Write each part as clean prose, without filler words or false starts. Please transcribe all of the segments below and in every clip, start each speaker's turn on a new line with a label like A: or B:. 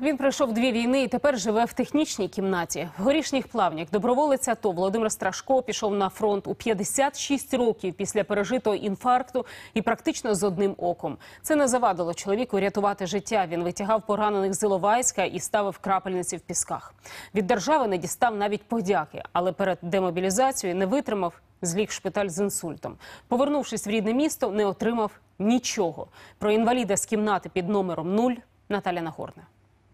A: Він пройшов 2 війни і тепер живе в технічній кімнаті. В Горішніх Плавнях доброволець АТО Володимир Страшко пішов на фронт у 56 років після пережитого інфаркту і практично з одним оком. Це не завадило чоловіку рятувати життя. Він витягав поранених з Іловайська і ставив крапельниці в Пісках. Від держави не дістав навіть подяки, але перед демобілізацією не витримав, зліг в шпиталь з інсультом. Повернувшись в рідне місто, не отримав нічого. Про інваліда з кімнати під номером 0 Наталя Нагорна.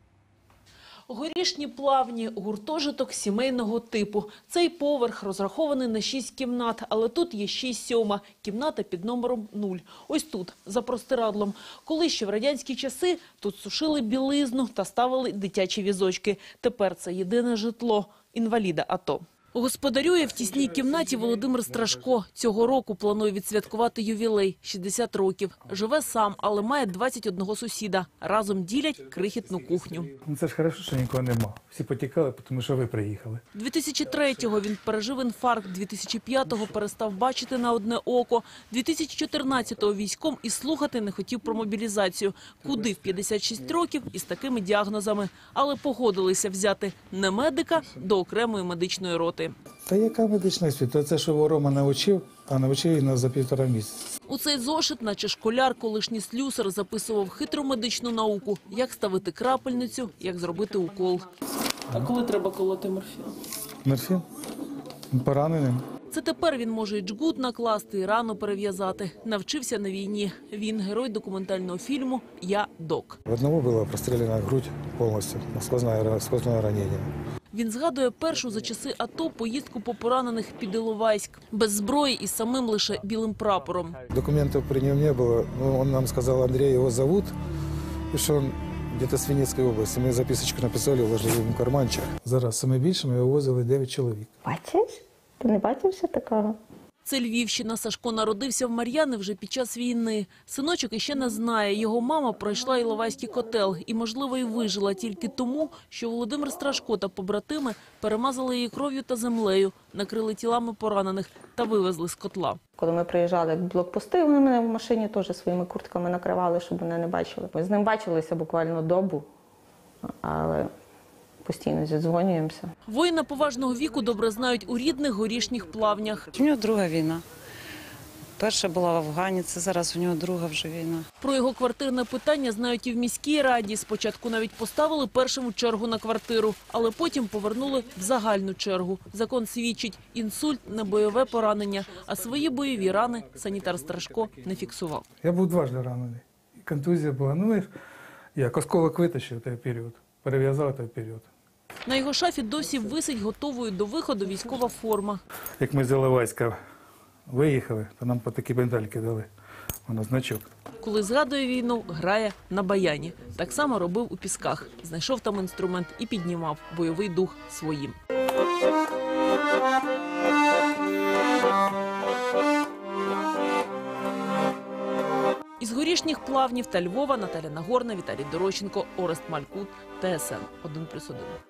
B: Горішні Плавні – гуртожиток сімейного типу. Цей поверх розрахований на 6 кімнат, але тут є ще й 7-ма – кімната під номером 0. Ось тут, за простирадлом. Колись ще в радянські часи тут сушили білизну та ставили дитячі візочки. Тепер це єдине житло інваліда АТО. Господарює в тісній кімнаті Володимир Страшко. Цього року планує відсвяткувати ювілей – 60 років. Живе сам, але має 21 сусіда. Разом ділять крихітну кухню.
C: Це ж добре, що нікого нема. Всі потікали, тому що ви приїхали.
B: 2003-го він пережив інфаркт, 2005-го перестав бачити на одне око, 2014-го військом і слухати не хотів про мобілізацію. Куди в 56 років із такими діагнозами. Але погодилися взяти не медика до окремої медичної роти.
C: Та яка медична освіта? Це, що Рома навчив, а навчив її за 1,5 місяця.
B: У цей зошит, наче школяр, колишній слюсар, записував хитру медичну науку. Як ставити крапельницю, як зробити укол. А коли треба колоти морфін?
C: Морфін? Пораненим.
B: Це тепер він може і джгут накласти, і рану перев'язати. Навчився на війні. Він герой документального фільму «Я док».
C: В одного була простріляна грудь повністю, сквозне ранення.
B: Він згадує першу за часи АТО поїздку по поранених під Іловайськ. Без зброї і самим лише білим прапором.
C: Документів при ньому не було. Він нам сказав, Андрій його зовут, і що він десь з Вінницької області. Ми записочку написали, вложили в карманчик. Зараз саме більше ми вивозили 9 чоловік.
D: Бачиш? Ти не бачився такого?
B: Це Львівщина. Сашко народився в Мар'яни вже під час війни. Синочок іще не знає. Його мама пройшла Іловайський котел і, можливо, і вижила тільки тому, що Володимир Страшко та побратими перемазали її кров'ю та землею, накрили тілами поранених та вивезли з котла.
D: Коли ми приїжджали в блокпости, вони мене в машині теж своїми куртками накривали, щоб мене не бачили. Ми з ним бачилися буквально добу, але постійно зідзвонюємося.
B: Воїна поважного віку добре знають у рідних Горішніх Плавнях.
E: У нього друга війна. Перша була в Афгані, це зараз у нього друга вже війна.
B: Про його квартирне питання знають і в міській раді. Спочатку навіть поставили першим у чергу на квартиру, але потім повернули в загальну чергу. Закон свідчить – інсульт, не бойове поранення, а свої бойові рани санітар Страшко не фіксував.
C: Я був дважди ранений. Контузія була. Як осколок витащив той період, перев'язав той період.
B: На його шафі досі висить готовою до виходу військова форма.
C: Як ми з Іловайська виїхали, то нам по такі бендальки дали. Воно значок.
B: Коли згадує війну, грає на баяні. Так само робив у Пісках. Знайшов там інструмент і піднімав бойовий дух своїм. Із Горішніх Плавнів та Львова Наталя Нагорна, Віталій Дорощенко, Орест Малькут, ТСН 1+1.